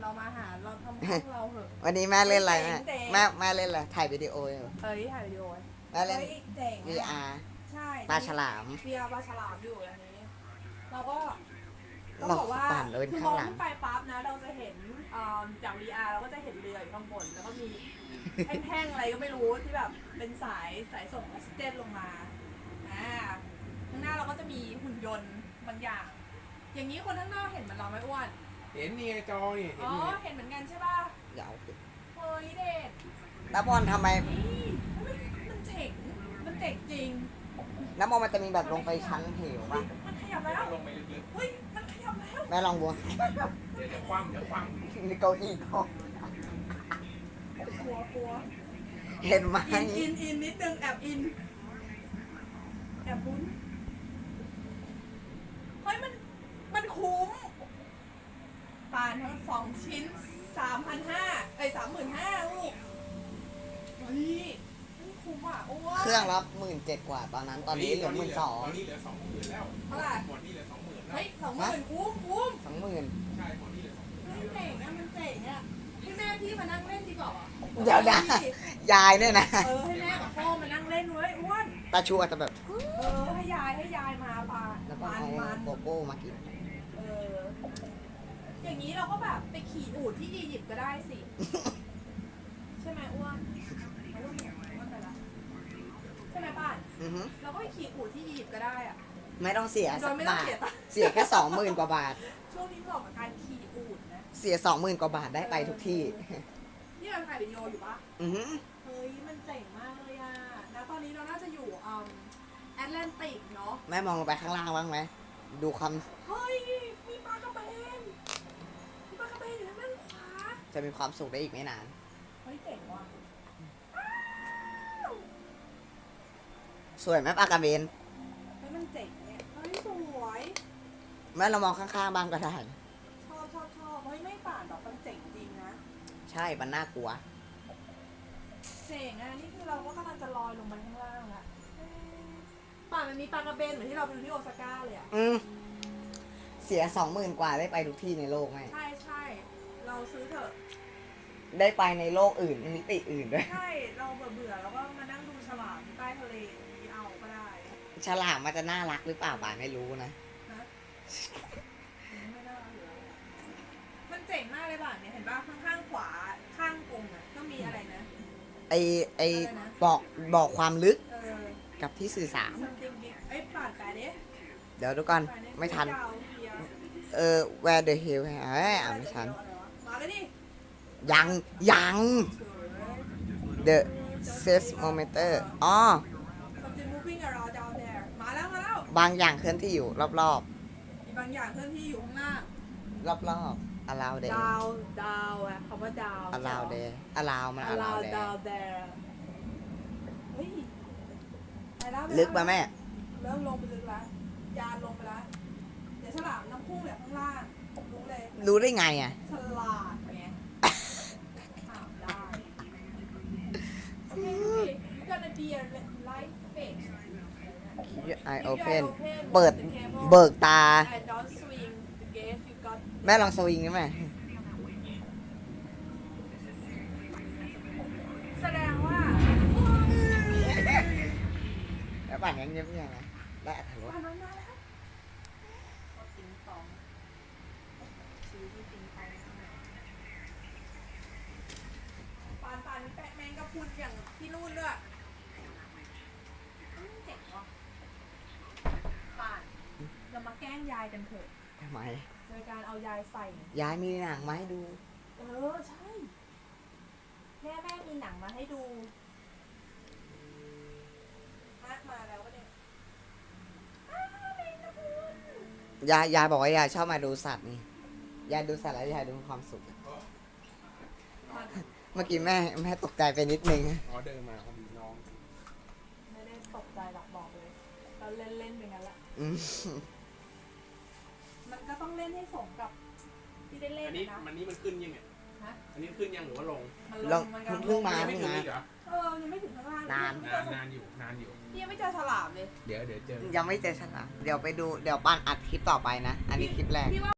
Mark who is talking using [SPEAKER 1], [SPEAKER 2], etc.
[SPEAKER 1] เรามาหาเราทำของเราเหอะ
[SPEAKER 2] วันนี้แม่เล่นอะไรแม่
[SPEAKER 1] เจ๋ง
[SPEAKER 2] แม่เล่นอะไรถ่ายวิดีโออยู่
[SPEAKER 1] เฮ้ยถ่ายวิดีโอ
[SPEAKER 2] แม่เล่น
[SPEAKER 1] เฮ้ยเจ๋ง
[SPEAKER 2] VR
[SPEAKER 1] ใช่
[SPEAKER 2] ปลาฉลาม
[SPEAKER 1] VR ปลาฉลามอยู่อันนี้เราก็
[SPEAKER 2] เรา
[SPEAKER 1] บอกว่า
[SPEAKER 2] ปั่นเราเป็น
[SPEAKER 1] คือม
[SPEAKER 2] ข้า
[SPEAKER 1] อง ง
[SPEAKER 2] หลัง
[SPEAKER 1] ขึ้นไปปั๊บนะเราจะเห็นจาก VR เราก็จะเห็นเรืออยู่ข้างบนแล้วก็มี แท่งๆอะไรก็ไม่รู้ที่แบบเป็นสายส่งออกซิเจนลงมาข้างหน้าเราก็จะมีหุ่นยนต์บางอย่าง อย่างนี้คนข้างนอกเห็นเหมือนเราไหมอ้วน
[SPEAKER 3] เห็นนี่ไงจอนี่เห็
[SPEAKER 1] อ๋
[SPEAKER 3] น
[SPEAKER 1] อ
[SPEAKER 3] นี่
[SPEAKER 1] เห็นเหมือนกันใช่ป่ะ
[SPEAKER 2] ยาวขึ้น
[SPEAKER 1] เฮ้ยเด็ก
[SPEAKER 2] น้ำบอลทำไม
[SPEAKER 1] นี่มันเจ๋งจริง
[SPEAKER 2] น้ำบอลมันจะมีแบบลงไปชั้นเหวป่ะ
[SPEAKER 1] มันขยับแล้ว
[SPEAKER 3] ลงไปลึก
[SPEAKER 1] เฮ้ยมันขยับแล้ว
[SPEAKER 2] แม่ลองบัว
[SPEAKER 3] ๆเดี๋ยวคว่ำ
[SPEAKER 2] มีเก้าอี้ก็
[SPEAKER 1] กลัว
[SPEAKER 2] เห็นไหม
[SPEAKER 1] อินนิดนึงแอบอินแอบบุ้นเฮ้ยมันคุ้มปานทั้ง2 ชิ้น 3,500 35,000ลูกเฮ้ยนี่คุ้มอ่ะโอ้ย
[SPEAKER 2] เครื่องละ17,000 กว่าตอนนั้นตอนนี้เหลือ
[SPEAKER 3] ตอนนี้เหลือ 20,000แล้ว
[SPEAKER 1] เท่าไหร่
[SPEAKER 3] หมดนี่เหลือ 20,000แล้ว
[SPEAKER 1] เฮ้ย20,000คุ้ม
[SPEAKER 2] 20,000
[SPEAKER 3] ใช่หมดนี่เหลือ
[SPEAKER 1] เฮ้ยเจ๋งอ่ะมันเจ๋งอ่ะให้แม่พี่มานั่งเล่นดีกว่า
[SPEAKER 2] เดี๋ยวนะยายเนี่ยนะ
[SPEAKER 1] ให้แม่กับพ่อมานั่งเล่นเว้ยอ้วน
[SPEAKER 2] ตาชูอาจจะแบบ
[SPEAKER 1] ให้ยายมาปา
[SPEAKER 2] แล้วก็
[SPEAKER 1] มัน
[SPEAKER 2] เอาโกโก้มากิน
[SPEAKER 1] อย่างนี้เราก็แบบไปขี่อูฐที่อียิปต์ก็ได้สิ ใช่ไหมอ้วนเอาลูกเนี่ยอ้วนไปละใช่ไหมป้าน
[SPEAKER 2] อือฮึ
[SPEAKER 1] เราก็ไปขี่อูฐที่อียิปต์ก็ได้อะ
[SPEAKER 2] ไม่ต้องเสีย
[SPEAKER 1] โด
[SPEAKER 2] สั
[SPEAKER 1] ย
[SPEAKER 2] ก
[SPEAKER 1] ไม่ต้อง
[SPEAKER 2] บาท
[SPEAKER 1] เสียตังค์
[SPEAKER 2] เสียแค่ 20,000 กว่าบาท
[SPEAKER 1] ช่วงนี้เหมาะกับการขี่อูฐนะ
[SPEAKER 2] เสีย 20,000 กว่าบาทได้ไปทุกที่
[SPEAKER 1] นี่เราถ่ายวิดีโออยู่ปะ
[SPEAKER 2] อือฮึ
[SPEAKER 1] เฮ้ยมันเจ๋งมากเลยอะแล้วตอนนี้เราน่าจะอยู่แอตแลนติกเนาะ
[SPEAKER 2] แม่มองลงไปข้างล่างบ้างไหม ดูความ
[SPEAKER 1] เฮ้ยมีปลากระเบนอยู่ทางด้านขวา
[SPEAKER 2] จะมีความสุขได้อีกไม่นาน
[SPEAKER 1] เฮ้ยเจ๋งว่ะ
[SPEAKER 2] สวยไหมปลากระเบน
[SPEAKER 1] เฮ้ยมันเจ๋งเนี่ยเฮ้ยสวย
[SPEAKER 2] แม่เรามองข้างๆบ้างก็ได้
[SPEAKER 1] ชอบเฮ้ยไม่ป่านแบบมันเจ๋งจริงนะ
[SPEAKER 2] ใช่ มันน่ากลัว
[SPEAKER 1] เจ๋งอ่ะนี่คือเราก็กำลังจะลอยลงมาข้างล่างละป่านมันมีปลากระเบนเหมือนที่เราไปดูที่โอซาก้าเลยอ่ะ
[SPEAKER 2] อืมเสีย 20,000 กว่าได้ไปทุกที่ในโลกไหม
[SPEAKER 1] ใช่เราซื้อเถอะ
[SPEAKER 2] ได้ไปในโลกอื่นมิติอื่นด้วย
[SPEAKER 1] ใช่เราเบื่อแล้วก็มานั่งดูฉลามใต้ทะเลที่เอาก็ได้
[SPEAKER 2] ฉลามมันจะน่ารักหรือเปล่าบ่าไม่รู้นะ
[SPEAKER 1] นะไม่น่าเหลือมันเจ๋งมากเลยป่ะเนี่ยเห็นป่ะข้างๆขวาข้างกรงอ่ะก็มีอะไรนะ
[SPEAKER 2] ไอ
[SPEAKER 1] อะไรนะ
[SPEAKER 2] บอกความลึก
[SPEAKER 1] เออ
[SPEAKER 2] กับที่สื่อสาร
[SPEAKER 1] something big ไอ้ป่านแปลดิ
[SPEAKER 2] เดี๋ยวดูก่อน
[SPEAKER 1] แปลดิ
[SPEAKER 2] ไม่ทัน
[SPEAKER 1] ยาวเพีย
[SPEAKER 2] where the hell อ่านไม่ทัน
[SPEAKER 1] มาเลยดิ
[SPEAKER 2] ยัง
[SPEAKER 1] เถื่อ
[SPEAKER 2] the seismometer อ๋อ
[SPEAKER 1] something moving around down there มาแล้ว
[SPEAKER 2] บางอย่างเคลื่อนที่อยู่รอบ
[SPEAKER 1] มีบางอย่างเคลื่อนที่อยู่ข้างหน้า
[SPEAKER 2] ๆ รอบๆ allow there
[SPEAKER 1] ดาวอะคำว่าดาว
[SPEAKER 2] allow there allow มัน allow there
[SPEAKER 1] ดาว there เฮ้ยไปแล้ว
[SPEAKER 2] ลึกป่ะแม่
[SPEAKER 1] เริ่มลงไปลึกแล้วยานลงไปแล้วเดี๋ยวฉลามน้ำพุ่งแบบข้างล่างรู้เลย
[SPEAKER 2] รู้ได้ไงอ่ะ
[SPEAKER 1] ฉลาดไงถามได้โอเคyou gonna be a light fish
[SPEAKER 2] keep your eye open เบิกตา
[SPEAKER 1] and don't swing the gate you got
[SPEAKER 2] แม่ลองสวิงได้ไหม
[SPEAKER 1] แสดงว่า
[SPEAKER 2] แล้วป่านนี้เงียบๆนะได้อัธรส
[SPEAKER 1] ผ่านมาแล้วติงตองซื้อที่ติงตองปานแปะแมงกะพรุนอย่างที่นู่นด้วยเจ๋งว่ะปานเรามาแกล้งยายกันเถอะ
[SPEAKER 2] ทำไม
[SPEAKER 1] โดยการเอายายใส่
[SPEAKER 2] ยายมีหนังมาให้ดู
[SPEAKER 1] ใช่แม่มีหนังมาให้ดูมาแล้วก็เนี่ยแมงกะพรุน
[SPEAKER 2] ยายบอกว่ายายชอบมาดูสัตว์นี่ ยายดูสัตว์แล้วยายดูมีความสุข เมื่อกี้แม่ตกใจไปนิดนึง
[SPEAKER 3] อ๋อเดินมาพอดีน้อง
[SPEAKER 1] ไม่ได้ตกใจหรอกบอกเลยเราเล่นไปงั้นแหละ
[SPEAKER 2] อืม
[SPEAKER 1] มันก็ต้องเล่นให้สมกับที่ได้เล่น
[SPEAKER 3] อันนี้
[SPEAKER 1] นะ
[SPEAKER 3] มันขึ้นยังไง
[SPEAKER 1] ฮะ
[SPEAKER 3] อันนี้ขึ้นยังหรือว่าลง
[SPEAKER 1] มัน
[SPEAKER 2] ลอง
[SPEAKER 1] มันกำลัง
[SPEAKER 2] เพิ่งมา
[SPEAKER 3] ไม่ถึงอีกเหรอ
[SPEAKER 1] ยังไม่ถึงข้างล่าง
[SPEAKER 2] นาน
[SPEAKER 3] นานอยู่
[SPEAKER 1] พี่ยังไม่เจอฉลามเลย
[SPEAKER 3] เดี๋ยวเจอ
[SPEAKER 2] ยังไม่เจอฉลามเดี๋ยวไปดู เดี๋ยวป้านอัดคลิปต่อไปนะ อันนี้คลิปแรก
[SPEAKER 1] พี่ว่า